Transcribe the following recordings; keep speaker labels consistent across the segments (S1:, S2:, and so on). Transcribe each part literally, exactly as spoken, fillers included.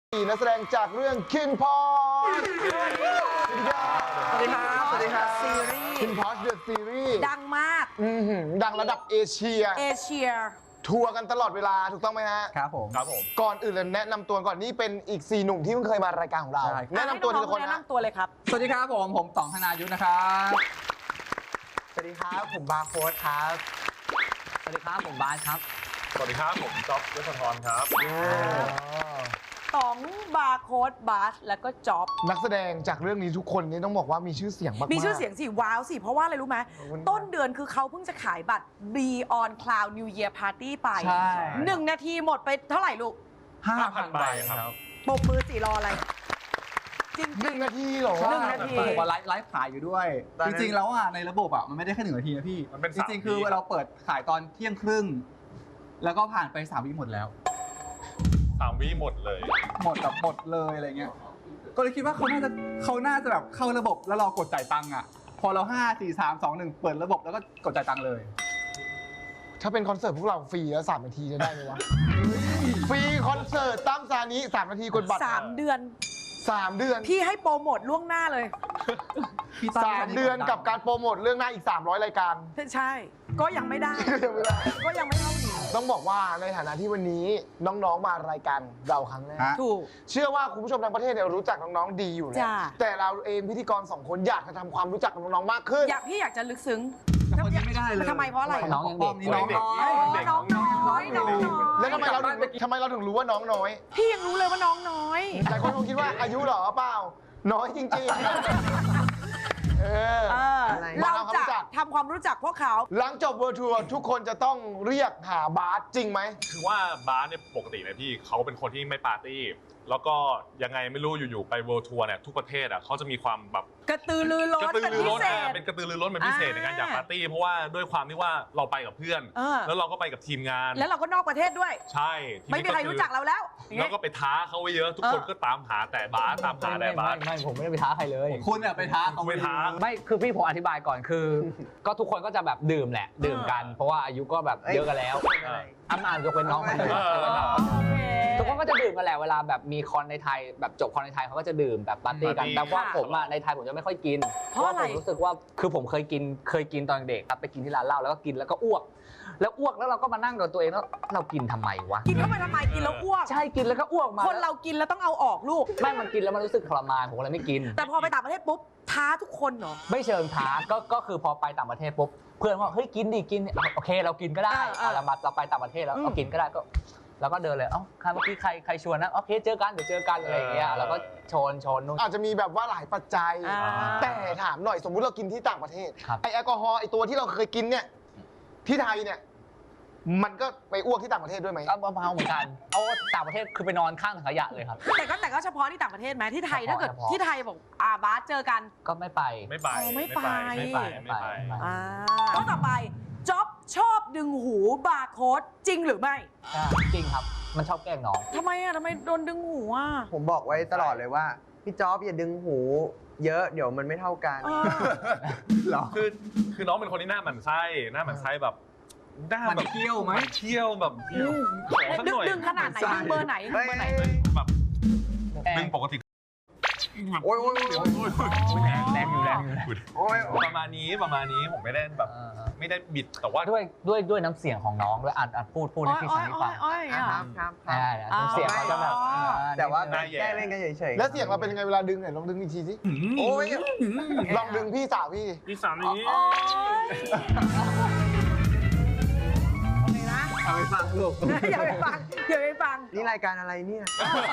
S1: นักแสดงจากเรื่อง King Porsche สวัสดีครับ
S2: สวัสดีครับ
S3: ซีรีส์
S1: King Porsche The Series
S3: ดังมาก
S1: อื้อหือดังระดับเอเชีย
S3: เอเชีย
S1: ทัวร์กันตลอดเวลาถูกต้องไหมฮะ
S2: ครับผม
S4: ครับผม
S1: ก่อนอื่นเลยแนะนำตัวก่อนนี่เป็นอีกสี่หนุ่มที่เพิ่งเคยมารายการของเรา
S2: ใช่
S1: แนะนำตัวทีละคน
S3: แนะ
S1: นะ
S3: นำตัวเลยครับ
S2: สวัสดีครับผมผมต๋องธนายุทธนะครับ
S5: สวัสดีครับผมบาร์โค้ดครับ
S6: สวัสดีครับผมบาสครับ
S4: สวัสดีครับผมจ๊อบยศธรครับ
S3: ต๋องบาร์โค้ดบาสแล้วก็จ็อบ
S1: นักแสดงจากเรื่องนี้ทุกคนนี่ต้องบอกว่ามีชื่อเสียงมากๆ
S3: มีชื่อเสียงสิ ว้าวสิ เพราะว่าอะไรรู้ไหม
S1: ขอบคุณครับ
S3: ต้นเดือนคือเขาเพิ่งจะขายบัตร Beyond Cloud New Year Party ไป
S2: ใช่
S3: หนึ่งนาทีหมดไปเท่าไหร่ลูก
S2: ห้าพั
S4: ห้าพั
S2: น
S4: น
S2: ใบ
S4: ใบ
S2: ค
S4: ครั
S2: รับ
S4: บ
S3: ปมมือสี่รออะไร จริง
S1: หนึ่งนาทีเหรอ
S3: หนึ่งนาที
S2: ผมว่าไลฟ์ไลฟ์ขายอยู่ด้วย
S5: ตอน
S2: จ
S5: นั้น
S2: ริงๆแล้วอ่ะในระบบอ่ะมันไม่ได้แค่หนึ่งนาทีนะพี่
S4: มันเป็น
S2: จ
S4: สาม
S2: ริงๆคือ
S4: วิ
S2: เราเปิดขายตอนเที่ยงครึ่ง แล้วก็ผ่านไปสามวิหมดแล้ว
S4: สามวิหมดเลย
S2: หมดแบบหมดเลยอะไรเงี้ย ก็เลยคิดว่าเขาน่าจะเขาน่าจะแบบเข้าระบบแล้วรอกดจ่ายตังค์อ่ะ พอเราห้าสี่สามสองหนึ่งเปิดระบบแล้วก็กดจ่ายตังค์เลย
S1: ถ้าเป็นคอนเสิร์ตพวกเราฟรีแล้วสามนาทีจะได้ไหมวะ ฟรีคอนเสิร์ตตั้มซานิสามนาทีกดบัตร
S3: สามเดือน
S1: สามเดือน
S3: พี่ให้โปรโมทล่วงหน้าเลย
S2: พี่ตั้
S1: สามเดือนกับการโปรโมทเรื่องหน้าอีกสามร้อยรายการ
S3: ใช่ ก็ยังไม่ได้
S1: ยังไม่ได้
S3: ก็ยังไม่เท่านี้
S1: ต้องบอกว่าในฐานะที่วันนี้น้องๆมารายการเราครั้งแรก
S2: ฮะ
S3: ถูก
S1: เชื่อว่าคุณผู้ชมทั้งประเทศเนี่ยรู้จักน้องๆดีอยู่แล้ว
S3: จ้ะ
S1: แต่เราเองพิธีกรสองคนอยากจะทำความรู้จักกับน้องๆมากขึ้น
S3: อยากพี่อยากจะลึกซึ้ง
S2: แต่คนนี้ไม่ได้เลย
S3: ทำไมเพราะอะไร
S6: น้องยังเด็ก
S2: นี่น้องน้อย
S4: เด็ก
S3: น้องน้อยน้องน้อย
S1: แล้วทำไมเราถึงทำไมเราถึงรู้ว่าน้องน้อย
S3: พี่ยังรู้เลยว่าน้องน้อย
S1: หลายคนคงคิดว่าอายุเหรอเปล่า น้อยจริงๆ เออ
S3: เออ
S5: อะไร
S3: เรา
S1: มาทำความรู้
S3: จะ
S1: จัก
S3: ทำความรู้จักพวกเขา
S1: หลังจบเวิร์ทัวร์ทุกคนจะต้องเรียกหาบาสจริงไหม
S4: คือว่าบาสเนี่ยปกติเนี่ยพี่เขาเป็นคนที่ไม่ปาร์ตี้ แล้วก็ยังไงไม่รู้อยู่ๆไปเวิลด์ทัวร์เนี่ยทุกประเทศอ่ะเขาจะมีความแบบ
S3: กระตือรือร้
S4: ก
S3: น
S4: ระตือ
S3: เป็น
S4: รือ
S3: พิ
S4: ร้น
S3: เศ
S4: อ่ะ
S3: ษ
S4: เป็นกระตือรือร้นเป็นพิเศษ
S3: อ่า
S4: ในการอยากปาร์ตี้เพราะว่าด้วยความที่ว่าเราไปกับเพื่อน
S3: เออ
S4: แล้วเราก็ไปกับทีมงาน
S3: แล้วเราก็นอกประเทศด้วย
S4: ใช่ที
S3: ไม่
S4: นี้
S3: มีใครรู้จักเราแล้วอย่าง
S4: แล้
S3: เงี้
S4: วย ก็ไปท้าเขาไว้เยอะทุกคน
S3: เออ
S4: ก็ตามหาแต่บาสตามหาแต่บาส
S6: ไม่ไม่ผมไม่ได้ไปท้าใครเลย
S2: คุณเนี่ยไปท้าเขา
S4: ไปท้า
S6: ไม่คือพี่ผมอธิบายก่อนคือ ก็ทุกคนก็จะแบบดื่มแหละ ดื่มกัน เพราะว่าอายุก็แบบเยอะกันแล้ว
S4: อ่า
S6: อ้ำอ่านยกเว้นน้องคนหนึง
S4: เออ
S6: ยกเว้นน้อง
S3: โอเค
S6: ทุกคนก็จะดื่มกันแหละเวลาแบบมีคอนในไทยแบบจบคอนในไทยเขาก็จะดื่มแบบปาร์ตี้กัน
S4: ปาร์ตี้
S6: แต่ว่า
S3: ค่ะ
S6: ผมอะในไทยผมจะไม่ค่อยกิน
S3: เพราะอะไร
S6: ผมรู้สึกว่าคือผมเคยกินเคยกินตอนเด็กครับไปกินที่ร้านเหล้าแล้วก็กินแล้วก็อ้วก แล้วอ้วกแล้วเราก็มานั่งกับตัวเองแล้วเรากินทำไมวะ
S3: กินเข้าไปทำไมกินแล้วอ้วก
S6: ใช่กินแล้วก็อ้วกมา
S3: คนเรากินแล้วต้องเอาออกลูก
S6: ไม่มันกินแล้วมันรู้สึกทรมานผมก็เลยไม่กิน
S3: แต่พอไปต่างประเทศปุ๊บท้าทุกคนเหรอ
S6: ไม่เชิงท้าก็ก็คือพอไปต่างประเทศปุ๊บเพื่อนว่าเฮ้ยกินดิกินดิโอเคเรากินก็ได้
S3: เออเออ
S6: เอาเรามาเราไปต่างประเทศแล้ว
S3: อืม
S6: เอากินก็ได้ก็แล้วก็เดินเลยเอ้าใครเมื่อกี้ใครใครชวนนะโอเคเจอกันเดี๋ยวเจอกันอะไรอย่างเงี้ย
S4: เออ
S6: แล้วก็ชนชนนู่น
S1: อาจจะมีแบบว่าหลายปัจจัย
S3: อ่า
S1: แต่ถามหน่อยสมมุติเรากินที่ต่างประเทศ
S6: ครับ
S1: ไอแอลกอฮอล์ไอตัวที่เราเคยกินเนี่ย ที่ไทยเนี่ย มันก็ไปอ้วกที่ต่างประเทศด้วยไหม
S6: ก็เมาเหมือนกันเอาต่างประเทศคือไปนอนข้างถังขยะเลยครับ
S3: แต่ก็แต่ก็เฉพาะที่ต่างประเทศไหมที่ไทย
S6: เฉพาะ
S3: ถ้าเกิด
S6: เฉพาะ
S3: ที่ไทยบอกอ่าบาสเจอกัน
S6: ก็ไม่ไป
S4: ไม่ไป
S3: อ๋อไม่ไป
S4: ไม่ไปไม่ไป
S6: ไม่ไป
S3: อ่าข้อต่อไปจ็อบชอบดึงหูบาร์โค้ดจริงหรือไม่
S6: อ่าจริงครับมันชอบแกล้งน้อง
S3: ทำไมอ่ะทำไมโดนดึงหูอ่ะ
S5: ผมบอกไว้ตลอดเลยว่า พี่จ๊อบอย่าดึงหู เยอะเดี๋ยวมันไม่เท่ากัน
S3: เออ
S2: เหรอ
S4: คือคือน้องเป็นคนที่หน้าหมันไส้หน้าหมันไส้แบบหน้า
S2: มัน
S4: แบบ
S2: เที่ยวไหม
S4: นเที่ยวแบบขอสัก
S3: ดึ
S4: ห
S3: ง
S4: น่อย
S3: ดึงขนาดไหนดึงเบอร์ไหนดึง
S5: เฮ้ย
S3: เบอร์ไหน
S4: แบบดึงปกติ
S5: โอ้ยโอ้ยโอ้ย
S4: โอ้ยโอ้ยโอ้ย
S6: แรงอยู่แรงอยู่
S5: โอ้ย
S4: ประมาณนี้ประมาณนี้ผมไม่ได้แบบ
S6: เออ
S4: ไม่ได้บิดแต่ว่า
S6: ด้วยด้วยด้วยน้ำเสียงของน้องด้วยอ่านอ่านพูดพูดให้พี่
S3: อ้
S6: ฟั
S3: อง ย
S6: ให้
S3: อ้
S6: ฟั
S3: อง ยอ้อย
S5: อ่ะ
S3: อ่ะ
S5: ครับครับค
S6: อ่า
S5: รับ
S6: น้ำเสียงเขาจะแบบ
S3: อ๋อ
S6: อ่
S5: แต่ว่า
S4: หน้าแย่
S5: แก้เล่นกันเฉยๆ
S1: แล้วเสียงเราเป็นยังไงเวลาดึงเนี่ยลองดึงอีกทีสิ
S5: โอ้ย
S1: ลองดึงพี่สาวพี่
S4: พี่สามนี้
S3: โอ้ยโอเคนะ
S2: เอาไปฟังลูก
S3: อย่าไปฟังอย่าไปฟัง
S5: นี่รายการอะไรเนี่ย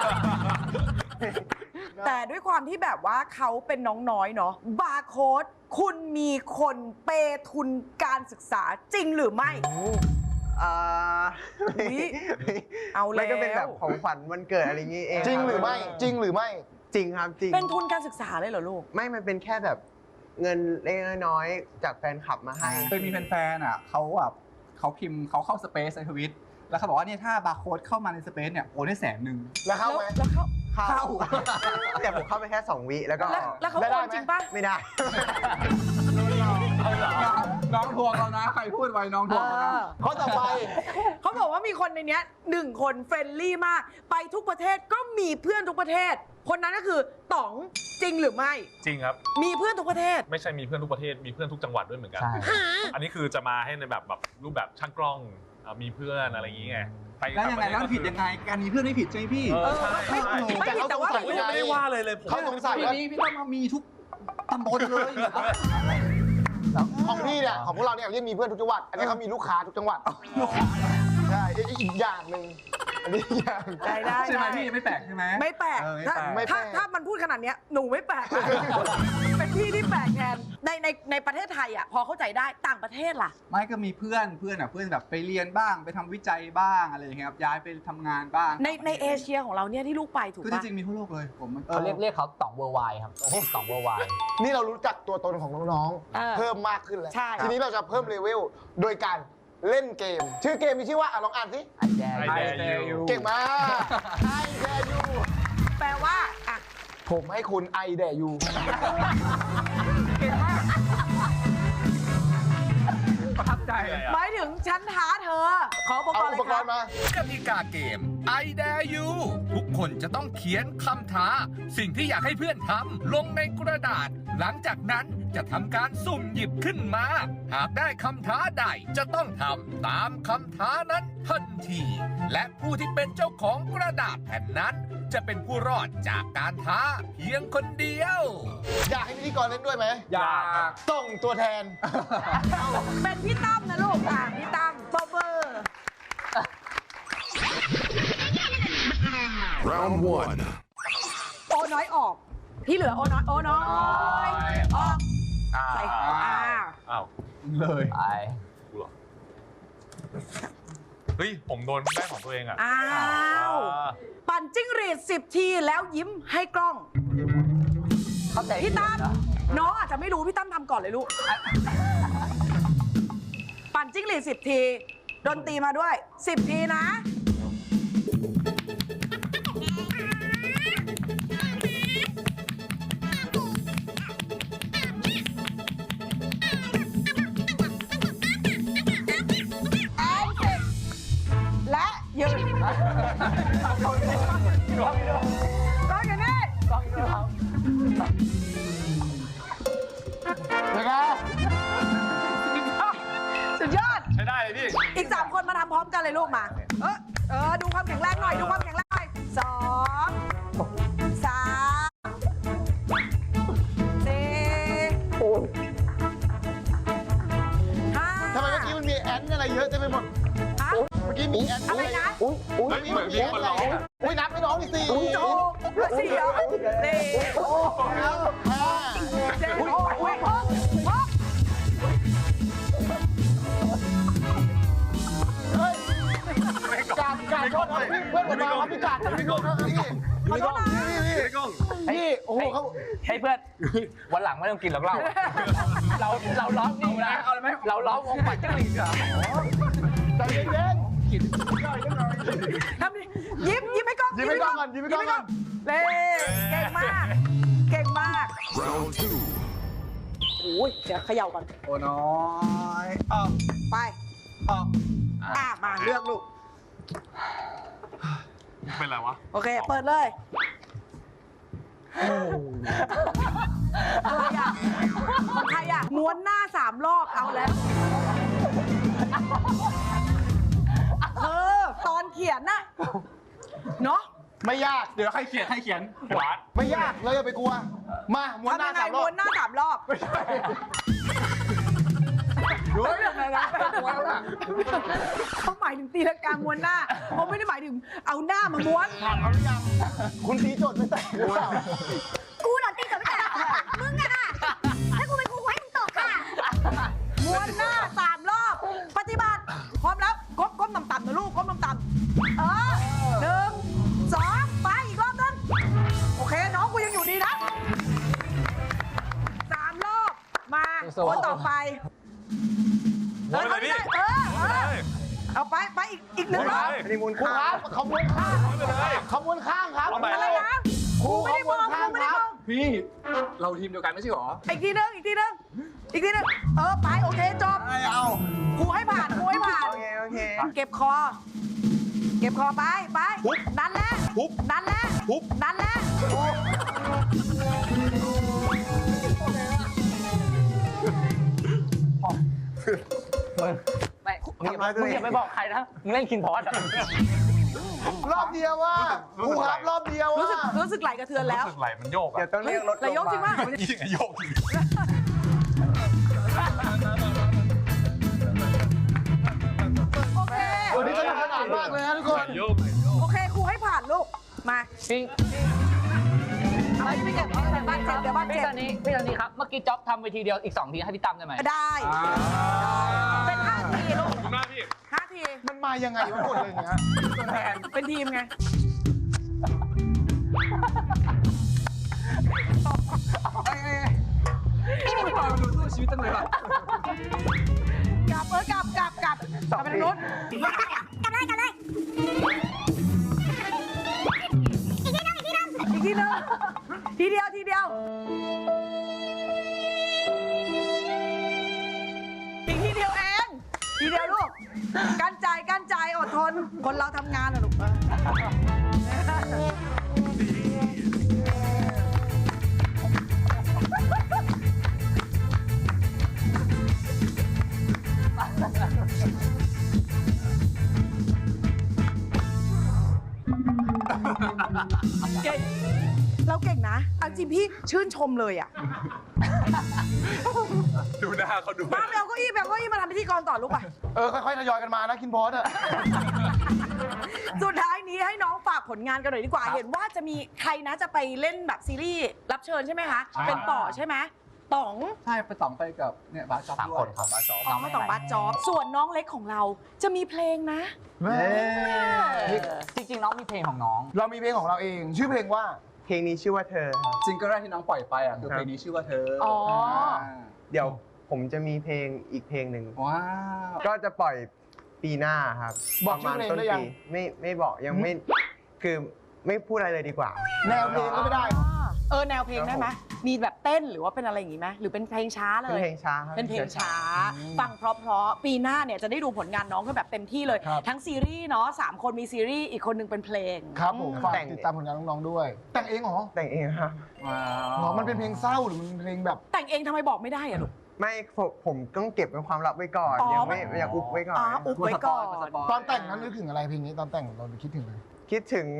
S3: แต่ด้วยความที่แบบว่าเขาเป็นน้องน้อยเนาะบาร์โค้ดคุณมีคนเปย์ทุนการศึกษาจริงหรือไม่
S5: อ่า
S3: อุ๊ยเอาแล้ว
S5: ไม่ก็เป็นแบบของขวัญวันเกิดอะไรอย่างงี้เอง
S1: จริงหรือไม่ จริงหรือไม่
S5: จริงครับจริง
S3: เป็นทุนการศึกษาเลยเหรอลูก
S5: ไม่มันเป็นแค่แบบเงินเล็กๆน้อยๆจากแฟนคลับมาให้
S2: เคยมีแฟนๆอ่ะเขาแบบเขาพิมพ์เขาเข้าสเปซในทวิตแล้วเขาบอกว่าเนี่ยถ้าบาร์โค้ดเข้ามาในสเปซเนี่ยโอนได้แสนหนึ่ง
S1: แล้วเข้าไหม
S3: แล้วเขา
S5: เข้า แต่ผมเข้าไปแค่สองวิแล้วก็
S3: แล้วแล้วเขา
S1: ได้
S3: โอ
S1: ไหม
S3: นจริงปะ
S5: ไม่ได้
S4: เอาเหรอ
S2: น้องทวงเรานะ ใครพูดไว้น้องทวงเรานะ
S1: ข้อต่อไป
S3: เขาบอกว่ามีคนในเนี้ยหนึ่งคนเฟรนลี่มาก ไปทุกประเทศก็มีเพื่อนทุกประเทศ คนนั้นก็คือต๋องจริงหรือไม่
S4: จริงครับ
S3: มีเพื่อนทุกประเทศ
S4: ไม่ใช่มีเพื่อนทุกประเทศมีเพื่อนทุกจังหวัดด้วยเหมือนกัน
S6: ใช่
S4: อันนี้คือจะมาให้ในแบบแบบรูปแบบช่างกล้องอ่ะมีเพื่อนอะไรอย่างงี้ไงไป
S2: แล้วยังไง
S4: ต่า
S2: แล้ว
S4: ประเทศ
S2: ผิดยังไง การมีเพื่อนไม่ผิดใช่ไหมพี่
S4: เออใช่
S3: ไม่
S4: ใช่
S3: ไม่ผิดแต่ว่า
S1: แต่
S4: ผมยังไม่ได้ว่าเลยเลยผม
S1: เขาสงสัย
S2: พี่
S1: ว่า
S2: นี้พี่ต้องมามีทุกตำบลเลย
S1: ของพี่เนี่ยของพวกเราเนี่ยเรียกมีเพื่อนทุกจังหวัด อันนี้เขามีลูกค้าทุกจังหวัดใช่อีกอีกอย่างหนึ่งอันนี้อีกอย่าง
S3: ได้ได้
S2: ใช่ไหม
S3: ได้
S2: พี่ไม่แปลกใช่ไหม
S3: ไม่แปลก
S2: เออไม่
S3: ถ้า
S2: แปลก
S1: ไม่แปล
S3: ถ้าก ถ้ามันพูดขนาดเนี้ยหนูไม่แปลก เป็นพี่ที่แปลกแทนในในในประเทศไทยอ่ะพอเข้าใจได้ต่างประเทศล่ะ
S2: ไม่ก็มีเพื่อนเพื่อนอ่ะเพื่อนแบบไปเรียนบ้างไปทำวิจัยบ้างอะไรอย่างเงี้ยครับย้ายไปทำงานบ้าง
S3: ในในเอเชียของเราเนี่ยที่ลูกไปถูก
S2: คือ
S3: ปะ
S2: จริงๆมีทั่วโลกเลยผมมัน
S6: เขาเรียกเรียกเขาต่องเวอร์ไวครับต่องเวอร์ไว
S1: นี่เรารู้จักตัวตนของน้อง
S3: เออ
S1: ๆ เพิ่มมากขึ้นแล้ว
S3: ใช่
S1: ทีนี้เราจะเพิ่มเลเวลโดยการเล่นเกม ชื่อเกมมีชื่อว่าอ่ะลองอ่านสิ
S6: ไอแดง
S4: I dare you
S1: เก่งมากไอแดยู
S3: แปลว่าอ่ะ
S1: ผมให้คุณไอแดยู
S3: เก่งมาก
S2: ประทับใจ
S3: หมายถึงฉันท้าเธอ ขออุปก
S1: เอา
S3: รณ์เล
S1: อุป
S3: ย
S1: ก
S3: ครั
S1: ร
S3: บ
S1: ณ์มา
S7: กติกาเกม I dare you ทุกคนจะต้องเขียนคำท้า สิ่งที่อยากให้เพื่อนทำลงในกระดาษ หลังจากนั้นจะทำการสุ่มหยิบขึ้นมา หากได้คำท้าใดจะต้องทำตามคำท้านั้นทันที และผู้ที่เป็นเจ้าของกระดาษแผ่นนั้น จะเป็นผู้รอดจากการท้าเพียงคนเดียว
S1: อยากให้พิธีกรเล่นด้วยไหม
S2: อยาก
S1: ส่งตัวแทน
S3: เป็นพี่ตั้มนะลูกอ่ะพี่ตั้มเบอร์เบอร์
S8: Round one.
S3: โอน้อยออก ที่เหลือโอน้อยโอน้อยออกใส่อ่า
S4: อ้าว
S2: เลย
S6: ไป
S4: กูเหรอเฮ้ยผมโดนได้ของตัวเองอ่ะ
S3: อ้าว
S4: อ่า
S3: ปั่นจิ้งหรีดสิบทีแล้วยิ้มให้กล้อง
S6: เข้าใจ
S3: พี่ตั้ม
S6: เหรอ
S3: น้องอาจจะไม่รู้พี่ตั้มทำก่อนเลยลูก ปั่นจิ้งหรีดสิบที ดนตรีมาด้วยสิบทีนะ แอนเสร็จและยืนก็อย่างนี้
S1: เดี๋ยวนะ
S3: สุดยอด
S4: ใช้ได้เลยพี่
S3: อีกสามคนมาทำพร้อมกันเลยลูกมา เออเออ ดูความแข็งแรงหน่อย ดูความแข็งแรงหน่อยสองสามสี่ห้า
S1: ทำไมเมื่อกี้มันมีแอนอะไรเยอะเต็มไปหมด
S3: ฮะ
S1: เมื่อกี้มีแอน
S3: อะไรนะ
S6: อุ้ยอุ้ย
S1: เมื่อกี้มันมีแอนอะไรอุ้ยนับให้น้องดิสี่
S3: โจสี่เหรอสี่
S1: ห้า
S3: เจ็ดหกหกหก
S1: เฮ้ยกาดกาดโทษนะพี่เพื่อนผมมาครับพี่กาดพี่กาดพี่
S3: ขอโทษนะ
S1: พี่พี่พี่โอ้โหเขา
S6: ให้เพื่อนวันหลังไม่ต้องกินหรอกเราเราเราล้อมนี่นะเอาเลยไหมเราล้อมวงปัดจิ้งหรีดเหรอ
S1: ใจเย็น
S3: ทำดิยิ้มยิ้มให้กล้อง
S1: ยิ้มให้กล้องก่อนยิ้มให้กล้องก่อน
S3: เล่เก่งมาก เก่งมาก
S8: Round two.
S3: โอ้ยเดี๋ยวเขย่าก่อน
S2: โอ้น้อยออก
S3: ไป
S2: ออก
S3: อ่ะ มาเลือกลูก
S4: เป็นไรวะ
S3: โอเค เปิดเลยอะไรอ่ะของใครอ่ะ ม้วนหน้าสามรอบ เอาแล้วเออตอนเขียนน่ะ เนาะ
S1: ไม่ยาก
S2: เดี๋ยวใครเขียนใครเขียน
S4: หวาน
S1: ไม่ยากเลยอย่าไปกลัว มาม้วนห
S3: ทำ
S1: น้า
S3: ยังไง
S1: สามรอ
S3: ม้
S1: บ
S3: วนหน้าสามรอบ
S2: รู้ยังไงนะม้วนแล้วล่ะ
S3: เขาหมายถึงตีลังกาม้วนหน้าเขาไม่ได้หมายถึงเอาหน้ามาม้วน
S1: ถามเขาหรือยังคุณตีโจทย์ไม่แตกหรือเปล่า
S9: กูเหรอตีกับไม่ได้มึงอะค่ะถ้ากูเป็นกูกูให้มึงตกค่ะ
S3: ม้วนหน้าสามรอบ ปฏิบัติ พร้อมแล้วก้มก้มต่ำๆนะลูกก้มต่ำๆเออหนึ่งสองไปอีกรอบนึงโอเค น้องกูยังอยู่ดีนะสามรอบ มาคนต่อไป
S4: หมดเลยพี่
S3: เออเออเอาไปไปอีกอีกหนึ่งรอบ
S1: อันนี้มูลค่าครับขบวนข้าง
S4: ไม่เป็นไร
S1: ขบวนข้างครับ
S4: เอาใหม่
S3: อะไรนะ
S1: ครู
S3: กูไม่ได้มอง
S1: ขบวนข้าง
S3: กูไม่ได้
S1: ค
S3: ม
S1: รั
S3: อบ ง
S2: พี่เราทีมเดียวกันไม่ใช่หรอ
S3: อีกทีนึงอีกทีนึงอีกทีหนึงเออไปโอเคจบ
S2: ไม่เอา
S3: ครูให้ผ่านครูให้ผ่าน
S5: โอเค โอเค
S3: เก็บคอ เก็บคอไปไปนั่นแหละนั่นแหละนั่นแหละ
S6: มึงไม่มึงอย่าไปมึงอย่าไปบอกใครนะ มึงเล่นคินพอสอะ
S1: รอบเดียวว่าครูครับรอบเดียวว่า
S3: รู้สึกรู้สึกไหลกระเทือนแล้ว
S4: รู้สึกไหลมันโยก
S5: เดี๋ย
S4: อะ
S5: วต้องเรียกรถ
S3: ไหลยกจริงป่ะ
S4: ยิ่งโยกอยู่
S3: โอเค
S1: วันนี้สนุกสนานมากเลยนะทุกคน
S4: โยกโยก
S3: โอเคครูให้ผ่านลูกมา
S6: พี่
S3: อะไรไม่เก็บเอาแต่บ้านเจ็บเดี๋ยวบ้าน
S6: พี่
S3: เจ็บ
S6: ตอนนี้พี่ตอนนี้ครับ เมื่อกี้จ๊อบทำไปทีเดียวอีกสองทีให้พี่ตั้มได้ไหม
S3: ได้ เป็นห้าทีลูก
S4: ขอบคุณมากพี่
S3: ห้าที
S1: มันมายังไงวะหมดเลยเนี่ย
S3: เป็นทีมไง
S2: ไม่พอดูสู้ชีวิตตั้งเลยว่ะ
S3: กลับเออกลับกลับกลับกลับไปทางนู้น
S9: กลับเลยกลับเลย
S3: อีกทีหนึงทีเดียวทีเดียวอีกทีเดียวเองทีเดียวลูกกั้นใจกั้นใจอดทนคนเราทำงานนะลูก เก่งเราเก่งนะเอาจริงพี่ชื่นชมเลยอ่ะ
S4: ดูหน้าเขาดู
S3: มาแมวเก็อี้แมวเก็อี้มาทำพิธีกรต่อลูกไป
S1: เออค่อยๆทยอยกันมานะคินพอสอะ
S3: สุดท้ายนี้ให้น้องฝากผลงานกันหน่อยดีกว่า เห็นว่าจะมีใครนะจะไปเล่นแบบซีรีส์รับเชิญใช่ไหมคะ เป็นต่อใช่ไหมต๋อง
S2: ใช่ไปต่องไปกับเนี่ยบาสจ็อบ
S6: สาม
S2: ด้ว
S6: ค
S2: ย
S6: นครับ
S2: บาสจ็อบ
S3: อ๋อมาต่องบัสจอบส่วนน้องเล็กของเราจะมีเพลงนะ
S6: จริงๆน้องมีเพลงของน้อง
S1: เรามีเพลงของเราเอง ชื่อเพลงว่า
S5: เพลงนี้ชื่อว่าเธอครับ
S2: ซิงเกิลแรกที่น้องปล่อยไปอ่ะคือ
S5: ครับ
S2: เพลงนี้ชื่อว่าเธอ
S3: อ๋อ
S5: เดี๋ยวผมจะมีเพลงอีกเพลงหนึ่ง
S2: ว้าว
S5: ก็จะปล่อยปีหน้าครับ
S1: บอก
S5: ประ
S1: ชื่
S5: มา
S1: อ
S5: ณ
S1: เพลง
S5: ต้น
S1: ได้ยัง
S5: ปีไม่ไม่บอกยังไม่ คือไม่พูดอะไรเลยดีกว่า
S1: แนวเพลงก็ไม่ได้
S3: เออแนวเพลงได้ไหมมีแบบเต้นหรือว่าเป็นอะไรอย่างงี้ไหมหรือเป็นเพลงช้าเล
S5: เป็น
S3: ย
S5: เพลงช้าครับ
S3: เป็นเพลงช้า ฟังเพราะๆปีหน้าเนี่ยจะได้ดูผลงานน้องกันแบบเต็มที่เลย
S1: ครับ
S3: ทั้งซีรีส์เนาะสามคนมีซีรีส์อีกคนหนึงเป็นเพลง
S1: ครับผมฝาก
S5: แต่ง
S1: ติดตามผลงานน้องๆด้วย แต่งเองเหรอ
S5: แต่งเองครับ
S2: ว้าว
S1: เหรอมันเป็นเพลงเศร้าหรือมันเป็นเพลงแบบ
S3: แต่งเองทำไมบอกไม่ได้อะลูก
S5: ไม่ผมผมต้องเก็บเป็นความลับไว้ก่อน
S3: อ๋อ
S5: ยังไม่ยังอุบไว้ก่อน
S3: อ๋ออุบไว้ก่อน
S1: ตอนแต่งนั้นนึกถึงอะไรเพลงนี้ตอนแต่งเราคิดถึงอะไร
S5: คิดถึง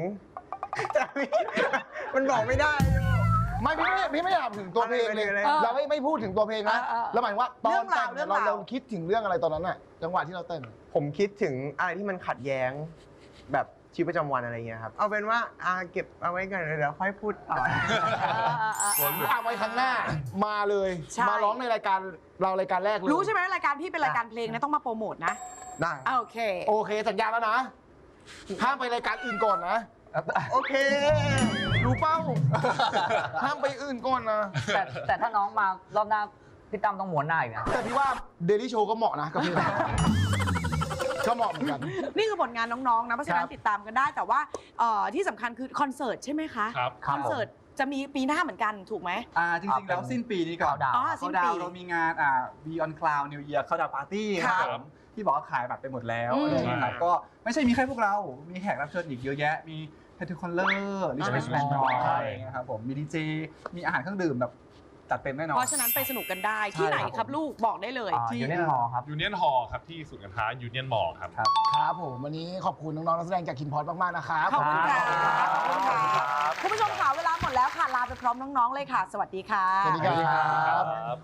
S5: มันบอกไม่ได้
S1: ไม่พี่ไม่พี่ไม่ถามถึงตัวเพลงเลย
S5: อะไรเลย
S1: เราไม่ไม่พูดถึงตัวเพลงนะ
S3: เออเออ
S1: แล้วหมายถึงว่าตอนแต่ง
S3: เรื่
S1: เนี่
S3: อย งราว
S1: เราเราคิดถึงเรื่องอะไรตอนนั้นน่ะจังหวะที่เราเต้น
S5: ผมคิดถึงอะไรที่มันขัดแย้ง แบบชีวิตประจำวันอะไรเงี้ยครับ เอาเป็นว่าอ่าเก็บเอาไว้กันเดี๋ยวค่อยพูดต่อ
S1: เอาไว้ครั้งหน้ามาเลย
S3: ใช่
S1: มาร้องในรายการเรารายการแรกเลย
S3: รู้ใช่ไหมรายการพี่เป็นรายการเพลงนะต้องมาโปรโมทนะ
S5: ได้
S3: อ่ะโอเค
S1: โอเคสัญญาแล้วนะห้ามไปรายการอื่นก่อนนะ
S5: โอเค
S1: รู้เป้า ห้ามไปอื่นก่อนนะ
S6: แต่แต่ถ้าน้องมารอบหน้าพี่ตั้มต้องหมุนหน้าอีกนะ
S1: แต่พี่ว่าเดลี่โชว์ก็เหมาะนะกับเพลงนี้ก็เหมาะเหมือนกัน
S3: นี่คือผลงานน้องๆนะเพราะฉะนั้
S1: คน รับ
S3: ติดตามกันได้ แต่ว่าเอ่อที่สำคัญคือคอนเสิร์ตใช่ไหมคะ
S4: ครับ
S3: คอนเสิร์ตจะมีปีหน้าเหมือนกันถูกไหม
S2: อ่าจริงๆแล้วสิ้นปีนี้ก่อน
S6: Countdown
S3: อ๋อสิ้น
S2: เขา
S3: ปี
S2: ดาวน์เรามีงานอ่า Beyond Cloud New Year เข้าดาวปาร์ตี้
S3: ค่ะ
S2: ผมที่บอกว่าขายบัตรไปหมดแล้ว
S3: อืม
S2: อะไรอย่างเงี้ยครับก็ไม่ใช่มีแค่พวกเรา มีแขกรับเชิญอีกเยอะแยะ มีเฮทูคอนเลอร์ลิชแมน
S3: อ่า
S2: แมนนอยอะไรอย่างเงี้ยครับผมมีดีเจมีอาหารเครื่องดื่มแบบจัดเต็มแน่นอน
S3: เพราะฉะนั้นไปสนุกกันได้ที่ไหนครับลูกบอกได้เลย
S6: อ่าอยู่ในหอครับ
S4: ยูเนียนฮอลครับที่ศูนย์การค้ายูเนียนมอลครับ
S2: ครับ
S1: ครับผมวันนี้ขอบคุณน้องๆนักแสดงจากคินพอดมากๆนะครับ
S3: ขอบคุณค่ะ
S6: ครับ
S3: ขอบคุณค่ะคุณผู้ชมค่ะเวลาหมดแล้วค่ะลาไปพร้อมน้องๆเลยค่ะ สวัสดีค่ะ
S1: สวัสดีครับ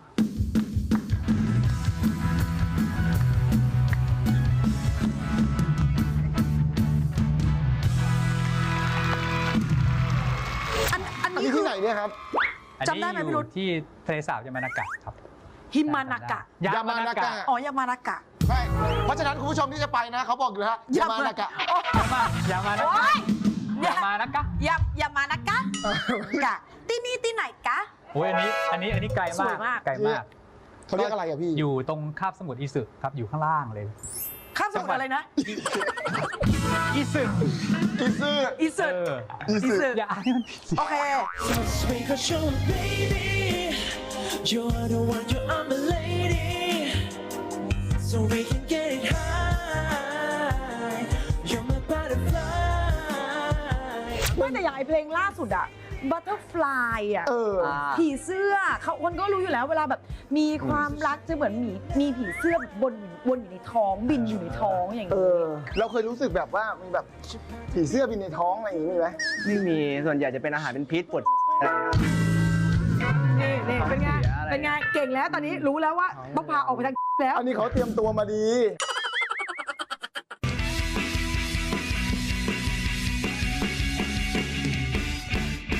S3: อันอัน
S1: อัน
S3: นี้
S1: นี้
S3: คื
S1: ที่
S3: อ
S1: ไหนเนี่ยครับ
S8: อัน
S3: จำได้
S8: นี้
S3: ไหม
S8: อ
S3: พี่รุ
S8: ยู่
S3: ธ
S8: ที่ทะเลสาบยามานากะครับ
S3: ฮิมานากะ
S8: ยามานากะ
S3: อ๋อยามานากะ
S1: ใช่เพราะฉะนั้นคุณผู้ชมที่จะไปนะเขาบอกอยู่แล้วฮะอย่ามานะกะ
S8: ยามานากะ
S3: โอ๊ย
S8: ยามานากะ
S3: ยามยามานากะกะที่นี่ที่ไหนกะ
S8: โอ้ยอันนี้อันนี้อันนี้ไกล
S3: ส
S8: มา
S3: วย
S8: ก
S3: มาก
S8: ไกลมาก
S1: เขาเรียกอะไรอะพี่
S8: อยู่ตรงคาบสมุทรอิสึครับอยู่ข้างล่างเลย
S3: ข้ามสมุทรอะไรนะ
S8: อิสึ
S1: อีซื่อ
S3: อีสึ
S8: เออ
S1: อี
S3: อี
S1: ซื่อ
S3: สึ
S8: อย่าอ่านให้มันผิดสิ
S3: โอเค
S10: Sweet cause you're a baby You're the one, you're I'm a lady, so we can get it high. You're my butterfly.
S3: ไม่แต่อย่างไอเพลงล่าสุดอะ Butterfly อะ
S1: เออ
S3: ผีเสื้อเขาคนก็รู้อยู่แล้วเวลาแบบมีความรักจะเหมือนมีมีผีเสื้อแบบบนวนอยู่ในท้องบินอยู่ในท้องอย่าง
S1: เอ
S3: นี้
S1: อ เราเคยรู้สึกแบบว่ามีแบบผีเสื้อบินในท้องอะไรอย่างนี้มีไหม
S5: ไม่มีส่วนใหญ่จะเป็นอาหารเป็นพิษปวดอะไรครับ
S3: นี่นี่เป็นไง
S5: ท้องเสียอะไร
S3: เป็นไงเก่งแล้วตอนนี้รู้แล้วว่าต้องพาออกไปทางแล้ว
S1: อันนี้เขาเตรียมตัวมาดี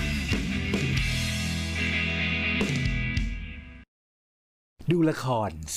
S11: ดูละคร